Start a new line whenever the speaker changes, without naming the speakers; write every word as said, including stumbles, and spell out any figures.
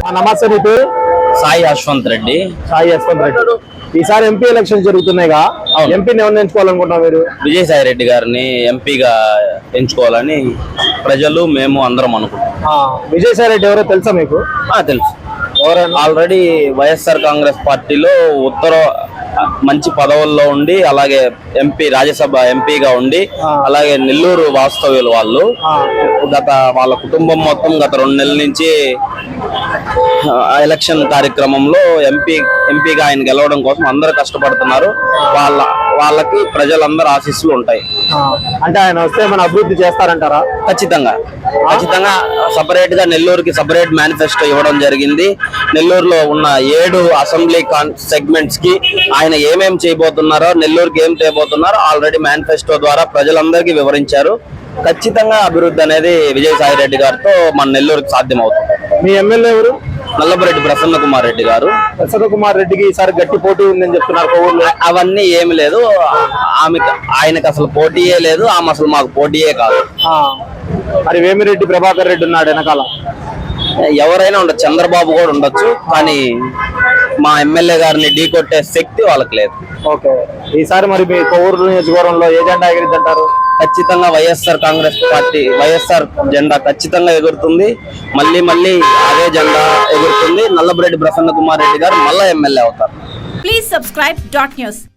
నమస్తే, నీ పేరు?
సాయి యశ్వంత్ రెడ్డి.
సాయి యశ్వంత్ రెడ్డి. ఈసారి ఎంపీ ఎలక్షన్ జరుగుతున్నాయిగా, ఎంపీని ఎవరిని ఎంచుకోవాలనుకుంటున్నాం మీరు?
విజయసాయి రెడ్డి గారిని ఎంపీగా ఎంచుకోవాలని ప్రజలు మేము అందరం అనుకుంటున్నాం.
విజయసాయి రెడ్డి ఎవరో తెలుసా మీకు?
తెలుసు. ఆల్రెడీ వైఎస్ఆర్ కాంగ్రెస్ పార్టీలో ఉత్తర మంచి పదవుల్లో ఉండి, అలాగే ఎంపీ రాజ్యసభ ఎంపీగా ఉండి, అలాగే నెల్లూరు వాస్తవ్యులు వాళ్ళు. గత వాళ్ళ కుటుంబం మొత్తం గత రెండు నెలల నుంచి ఎలక్షన్ కార్యక్రమంలో ఎంపీ ఎంపీగా ఆయన గెలవడం కోసం అందరూ కష్టపడుతున్నారు. వాళ్ళ వాళ్ళకి ప్రజలందరూ ఆశీస్సులు ఉంటాయి.
అంటే ఆయన వస్తే మన అభివృద్ధి చేస్తారంటారా?
ఖచ్చితంగా ఖచ్చితంగా సపరేట్ గా నెల్లూరుకి సపరేట్ మేనిఫెస్టో ఇవ్వడం జరిగింది. నెల్లూరులో ఉన్న ఏడు అసెంబ్లీ సెగ్మెంట్స్ కి ఆయన ఏమేం చేయబోతున్నారో, నెల్లూరుకి ఏం చేయబోతున్నారో ఆల్రెడీ మేనిఫెస్టో ద్వారా ప్రజలందరికీ వివరించారు. ఖచ్చితంగా అభివృద్ధి అనేది విజయసాయి రెడ్డి గారితో మన నెల్లూరుకి సాధ్యం అవుతుంది.
మీ ఎమ్మెల్యే ఎవరు?
నల్లబరెడ్డి ప్రసన్న కుమార్ రెడ్డి గారు.
ప్రసన్న కుమార్ రెడ్డికి ఈసారి గట్టి పోటీ ఉందని చెప్తున్నారు.
అవన్నీ ఏమి లేదు, ఆమెకు ఆయనకు అసలు పోటీయే లేదు, ఆమె అసలు మాకు పోటీయే కాదు.
మరి వేమిరెడ్డి ప్రభాకర్ రెడ్డి ఉన్నాడు వెనకాల.
ఎవరైనా ఉండొచ్చు, చంద్రబాబు కూడా ఉండొచ్చు, కానీ మా ఎమ్మెల్యే గారిని ఢీ కొట్టే శక్తి వాళ్ళకి లేదు.
ఓకే, ఈసారి మరి మీ కొవ్వూరు నియోజకవర్గంలో ఏ జెండా ఎగిరిద్ది అంటారు?
ఖచ్చితంగా వైఎస్ఆర్ కాంగ్రెస్ పార్టీ వైఎస్ఆర్ జెండా ఖచ్చితంగా ఎగురుతుంది. మళ్ళీ మళ్ళీ అదే జెండా ఎగురుతుంది. నల్లబరెడ్డి ప్రసన్న కుమార్ రెడ్డి గారు మళ్ళా ఎమ్మెల్యే అవుతారు.
Please subscribe dot news.